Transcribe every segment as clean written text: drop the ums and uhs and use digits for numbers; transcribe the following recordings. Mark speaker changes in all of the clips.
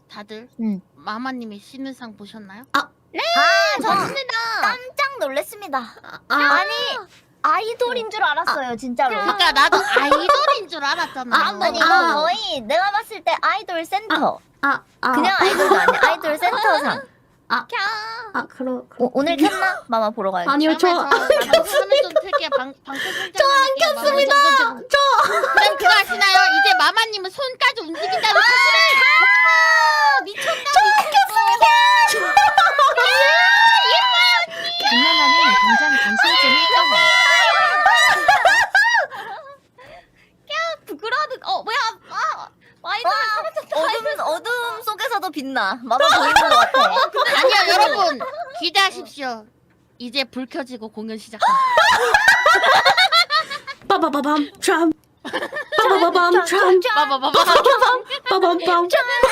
Speaker 1: 다들
Speaker 2: 응.
Speaker 1: 마마님의 신의상 보셨나요?
Speaker 2: 좋습니다. 깜짝 놀랐습니다. 아니 아이돌인 줄 알았어요, 진짜로.
Speaker 1: 그러니까 나도 아이돌인 줄 알았잖아.
Speaker 2: 아니 이거 거의 내가 봤을 때 아이돌 센터. 그냥 아이돌도 아니야. 아이돌 센터상. 오늘 켰나? 마마 보러 가야겠다.
Speaker 3: 아니요,
Speaker 1: 방송을 좀 틀게 방송
Speaker 3: 저 안 켰습니다.
Speaker 1: 그럼 그거 아시나요? 이제 마마님은 손까지 움직인다는 사실을 미쳤다.
Speaker 4: 김나나는 당장 당신쯤을 떠나.
Speaker 2: 부끄러워도 뭐야? 아이돌 어둠 속에서도 빛나. 마마 보이는 것 같아.
Speaker 1: 아니요 여러분 기대하십시오. 이제 불 켜지고 공연 시작합니다.
Speaker 3: 빠바바밤 참. 빠바바밤 참.
Speaker 1: 봐봐봐봐.
Speaker 3: 빠밤밤.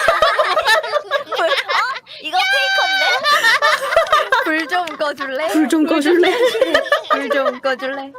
Speaker 2: 이거 페이커인데? 불 좀 꺼줄래?
Speaker 3: 불 좀 꺼줄래?
Speaker 2: 불 좀 꺼줄래?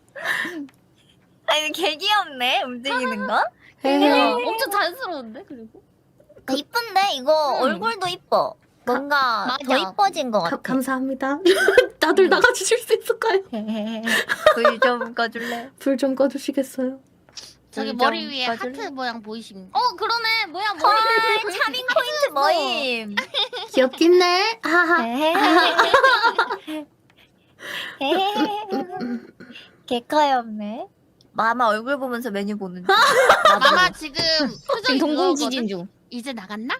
Speaker 2: 아니 개 귀엽네 움직이는 거.
Speaker 1: 엄청 자연스러운데 그리고?
Speaker 2: 이쁜데 이거 얼굴도 이뻐. 뭔가 더 이뻐진 것 같아.
Speaker 3: 감사합니다. 다들 나가주실 수 있을까요?
Speaker 2: 불 좀 꺼줄래?
Speaker 3: 불 좀 꺼주시겠어요?
Speaker 1: 저기
Speaker 2: 좀
Speaker 1: 머리 위에
Speaker 2: 꺼줄래?
Speaker 1: 하트 모양 보이십니까?
Speaker 2: 그러네. 뭐야 머리. 차밍 포인트 모임.
Speaker 3: 귀엽긴 해. 하하.
Speaker 2: 개카였네. 마마 얼굴 보면서 메뉴 보는 중.
Speaker 1: 마마 지금 표정이
Speaker 4: 동공지진
Speaker 1: 그거거든?
Speaker 4: 중.
Speaker 1: 이제 나갔나?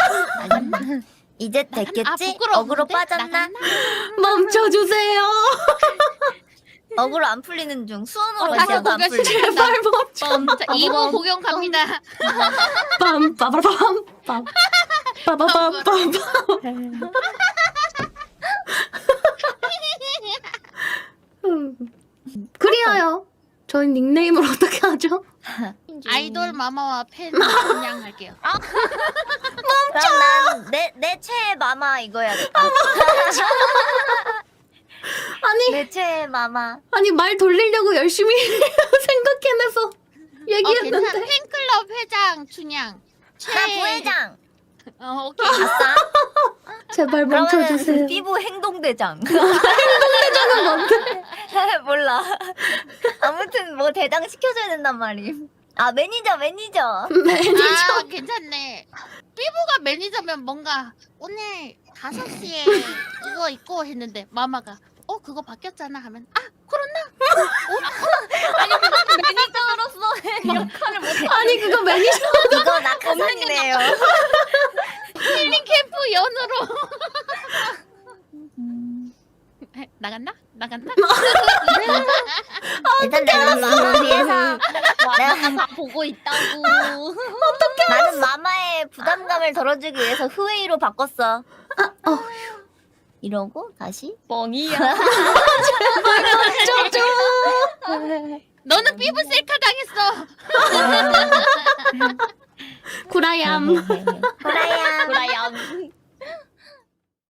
Speaker 2: 이제 됐겠지?
Speaker 1: 부끄러운데?
Speaker 2: 어그로 빠졌나?
Speaker 1: 나갔나?
Speaker 3: 멈춰주세요.
Speaker 2: 어그로 안 풀리는 중. 수원으로
Speaker 1: 다시
Speaker 2: 가셔도 안
Speaker 1: 공연
Speaker 2: 풀려.
Speaker 1: 시작한다.
Speaker 3: 제발 멈춰.
Speaker 1: 자, 2부 공연 갑니다.
Speaker 3: 빰 빠바밤 빰. 빠바밤 빰. 그리하여 저희 닉네임을 어떻게 하죠?
Speaker 1: 아이돌 마마와 팬 그냥 할게요.
Speaker 2: 그럼 난 내 최애 마마 이거 해야겠다. 내 최애 마마.
Speaker 3: 아니 말 돌리려고 열심히 생각해내서
Speaker 1: 괜찮아.
Speaker 3: 얘기했는데
Speaker 1: 팬클럽 회장 춘향.
Speaker 2: 나 부회장.
Speaker 1: 오케이.
Speaker 2: 아싸.
Speaker 3: 제발 멈춰주세요.
Speaker 2: 그러면은 삐부 행동대장.
Speaker 3: 행동대장은 뭔데?
Speaker 2: 몰라. 아무튼 뭐 대장 시켜줘야 된단 말임. 아 매니저.
Speaker 3: 매니저.
Speaker 1: 아 괜찮네. 삐부가 매니저면 뭔가 오늘 5시에 이거 있고 했는데 마마가 그거 바뀌었잖아 하면 그렇나? 아니 그건 매니저로서 역할을 못해.
Speaker 3: 아니 그거 매니저
Speaker 2: 이거 낙하산이네요.
Speaker 1: 힐링 캠프 연으로 나갔나?
Speaker 2: 일단 내가 마마 위해서
Speaker 1: 내가 다 보고 있다고.
Speaker 2: 나는 마마의 부담감을 덜어주기 위해서 흐웨이로 바꿨어. 이러고 다시
Speaker 4: 뻥이야.
Speaker 1: 너는 삐부 셀카 당했어.
Speaker 3: 구라얌.
Speaker 2: 호라야.
Speaker 4: 브라이언.